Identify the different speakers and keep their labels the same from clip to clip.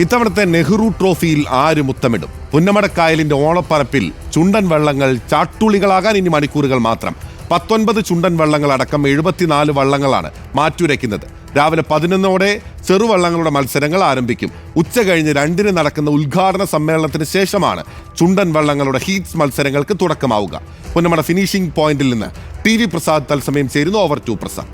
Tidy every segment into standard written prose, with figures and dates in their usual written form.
Speaker 1: ഇത്തവണത്തെ നെഹ്റു ട്രോഫിയിൽ ആര് മുത്തമിടും? പുന്നമടക്കായലിന്റെ ഓളപ്പരപ്പിൽ ചുണ്ടൻ വെള്ളങ്ങൾ ചാട്ടുളികളാകാൻ ഇനി മണിക്കൂറുകൾ മാത്രം. 19 ചുണ്ടൻ വെള്ളങ്ങളടക്കം 74 വള്ളങ്ങളാണ് മാറ്റുരയ്ക്കുന്നത്. രാവിലെ 11ഓടെ ചെറുവള്ളങ്ങളുടെ മത്സരങ്ങൾ ആരംഭിക്കും. ഉച്ച കഴിഞ്ഞ് 2-ന് നടക്കുന്ന ഉദ്ഘാടന സമ്മേളനത്തിന് ശേഷമാണ് ചുണ്ടൻ വള്ളങ്ങളുടെ ഹീറ്റ്സ് മത്സരങ്ങൾക്ക് തുടക്കമാവുക. പുന്നമട ഫിനിഷിംഗ് പോയിന്റിൽ നിന്ന് TV പ്രസാദ് തത്സമയം ചേരുന്നു. Over to Prasad.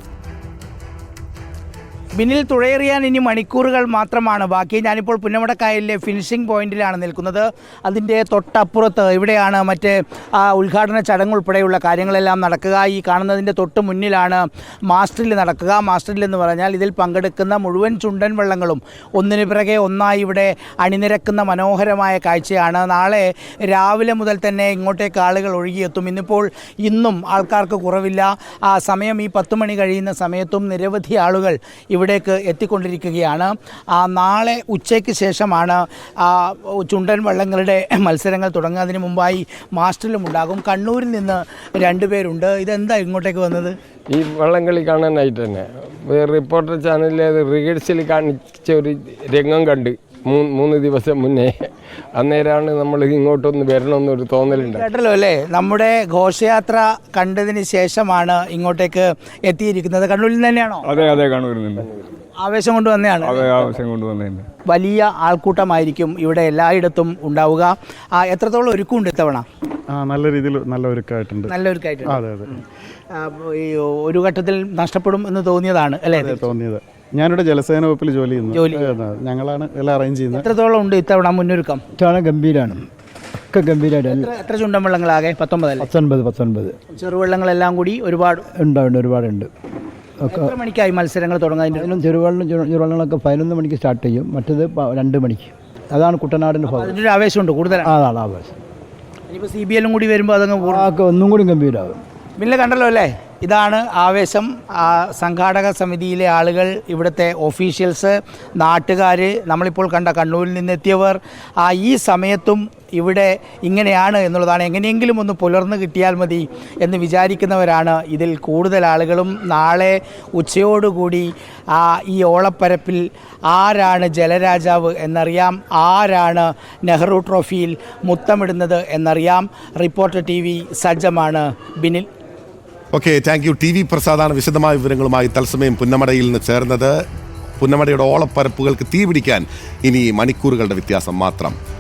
Speaker 2: ബിന്നിൽ തുഴയെറിയാൻ ഇനി മണിക്കൂറുകൾ മാത്രമാണ് ബാക്കി. ഞാനിപ്പോൾ പുന്നമടക്കായലിലെ ഫിനിഷിംഗ് പോയിന്റിലാണ് നിൽക്കുന്നത്. അതിൻ്റെ തൊട്ടപ്പുറത്ത് ഇവിടെയാണ് മറ്റേ ഉദ്ഘാടന ചടങ്ങ് ഉൾപ്പെടെയുള്ള കാര്യങ്ങളെല്ലാം നടക്കുക. ഈ കാണുന്നതിൻ്റെ തൊട്ട് മുന്നിലാണ് മാസ്റ്ററിൽ നടക്കുക. മാസ്റ്ററിൽ എന്ന് പറഞ്ഞാൽ ഇതിൽ പങ്കെടുക്കുന്ന മുഴുവൻ ചുണ്ടൻ വള്ളങ്ങളും ഒന്നിനു പിറകെ ഒന്നായി ഇവിടെ അണിനിരക്കുന്ന മനോഹരമായ കാഴ്ചയാണ്. നാളെ രാവിലെ മുതൽ തന്നെ ഇങ്ങോട്ടേക്ക് ആളുകൾ ഒഴുകിയെത്തും. ഇന്നും ആൾക്കാർക്ക് കുറവില്ല. ആ സമയം ഈ 10 മണി കഴിയുന്ന സമയത്തും നിരവധി ആളുകൾ ഇവിടേക്ക് എത്തിക്കൊണ്ടിരിക്കുകയാണ്. നാളെ ഉച്ചയ്ക്ക് ശേഷമാണ് ചുണ്ടൻ വള്ളങ്ങളുടെ മത്സരങ്ങൾ തുടങ്ങുക. അതിന് മുമ്പായി മാസ്റ്ററിലും ഉണ്ടാകും. കണ്ണൂരിൽ നിന്ന് 2 പേരുണ്ട്. ഇതെന്താ ഇങ്ങോട്ടേക്ക് വന്നത്?
Speaker 3: ഈ വള്ളംകളി കാണാനായിട്ട് തന്നെ റിപ്പോർട്ടർ ചാനലിൽ റിഹേഴ്സൽ കാണിച്ച ഒരു രംഗം കണ്ട് 3 ദിവസം മുന്നേ. അന്നേരമാണ് നമ്മൾ ഇങ്ങോട്ടൊന്ന് വരണമെന്നൊരു തോന്നലുണ്ട്.
Speaker 2: കേട്ടല്ലോ അല്ലേ, നമ്മുടെ ഘോഷയാത്ര കണ്ടതിന് ശേഷമാണ് ഇങ്ങോട്ടേക്ക് എത്തിയിരിക്കുന്നത്. കണ്ണൂരിൽ തന്നെയാണോ?
Speaker 4: അതെ അതെ, കണ്ണൂരിൽ നിന്ന്
Speaker 2: ആവേശം കൊണ്ട് വന്നതാണ്.
Speaker 4: അതെ, ആവശ്യം കൊണ്ടുവന്നതിന്
Speaker 2: വലിയ ആൾക്കൂട്ടമായിരിക്കും ഇവിടെ എല്ലായിടത്തും ഉണ്ടാവുക. എത്രത്തോളം ഒരുക്കമുണ്ട് ഇത്തവണ?
Speaker 4: നല്ല രീതിയിൽ നല്ല ഒരുക്കമായിട്ടുണ്ട്.
Speaker 2: നല്ല ഒരുക്കമായിട്ടുണ്ട്.
Speaker 4: അതെ അതെ,
Speaker 2: ഒരു ഘട്ടത്തിൽ നഷ്ടപ്പെടും എന്ന് തോന്നിയതാണ് അല്ലേ?
Speaker 4: തോന്നിയത്. ഞാനിവിടെ ജലസേന വകുപ്പിൽ ജോലി ചെയ്യുന്നു. ഞങ്ങളാണ് എല്ലാം അറേഞ്ച് ചെയ്യുന്നത്.
Speaker 2: എത്രത്തോളം ഉണ്ട് ഇത്തവണ മുന്നൊരുക്കം?
Speaker 5: ഗംഭീരമാണ്, ഒക്കെ ഗംഭീരമായിട്ട്.
Speaker 2: എത്ര ചുണ്ടൻ വെള്ളങ്ങളാകെ?
Speaker 5: 19.
Speaker 2: ചെറുവെള്ളങ്ങളെല്ലാം കൂടി ഒരുപാട്
Speaker 5: ഒരുപാടുണ്ട്.
Speaker 2: എത്ര മണിക്കായി മത്സരങ്ങൾ തുടങ്ങുന്നതിന്?
Speaker 5: അതിനും ചെറുവള്ളങ്ങളൊക്കെ 11 മണിക്ക് സ്റ്റാർട്ട് ചെയ്യും, മറ്റത് 2 മണിക്ക്. അതാണ് കുട്ടനാടിൻ്റെ ഭാഗം.
Speaker 2: അതിൻ്റെ ഒരു ആവേശമുണ്ട് കൂടുതലാണ്.
Speaker 5: അതാണ് ആവേശം.
Speaker 2: ഇനിയിപ്പോൾ CBL കൂടി വരുമ്പോൾ അതങ്ങ്
Speaker 5: ഒന്നും കൂടി ഗംഭീരമാകും.
Speaker 2: പിന്നെ കണ്ടല്ലോ അല്ലേ, ഇതാണ് ആവേശം. സംഘാടക സമിതിയിലെ ആളുകൾ, ഇവിടുത്തെ ഒഫീഷ്യൽസ്, നാട്ടുകാർ, നമ്മളിപ്പോൾ കണ്ട കണ്ണൂരിൽ നിന്നെത്തിയവർ. ഈ സമയത്തും ഇവിടെ ഇങ്ങനെയാണ് എന്നുള്ളതാണ്. എങ്ങനെയെങ്കിലും ഒന്ന് പുലർന്നു കിട്ടിയാൽ മതി എന്ന് വിചാരിക്കുന്നവരാണ് ഇതിൽ കൂടുതൽ ആളുകളും. നാളെ ഉച്ചയോടുകൂടി ഈ ഓളപ്പരപ്പിൽ ആരാണ് ജലരാജാവ് എന്നറിയാം, ആരാണ് നെഹ്റു ട്രോഫിയിൽ മുത്തമിടുന്നത് എന്നറിയാം. റിപ്പോർട്ടർ TV സജ്ജമാണ്. Binil.
Speaker 1: Okay, thank you. TV പ്രസാദാണ് വിശദമായ വിവരങ്ങളുമായി തത്സമയം പുന്നമടയിൽ നിന്ന് ചേർന്നത്. പുന്നമടയുടെ ഓളപ്പരപ്പുകൾക്ക് തീപിടിക്കാൻ ഇനി മണിക്കൂറുകളുടെ വ്യത്യാസം മാത്രം.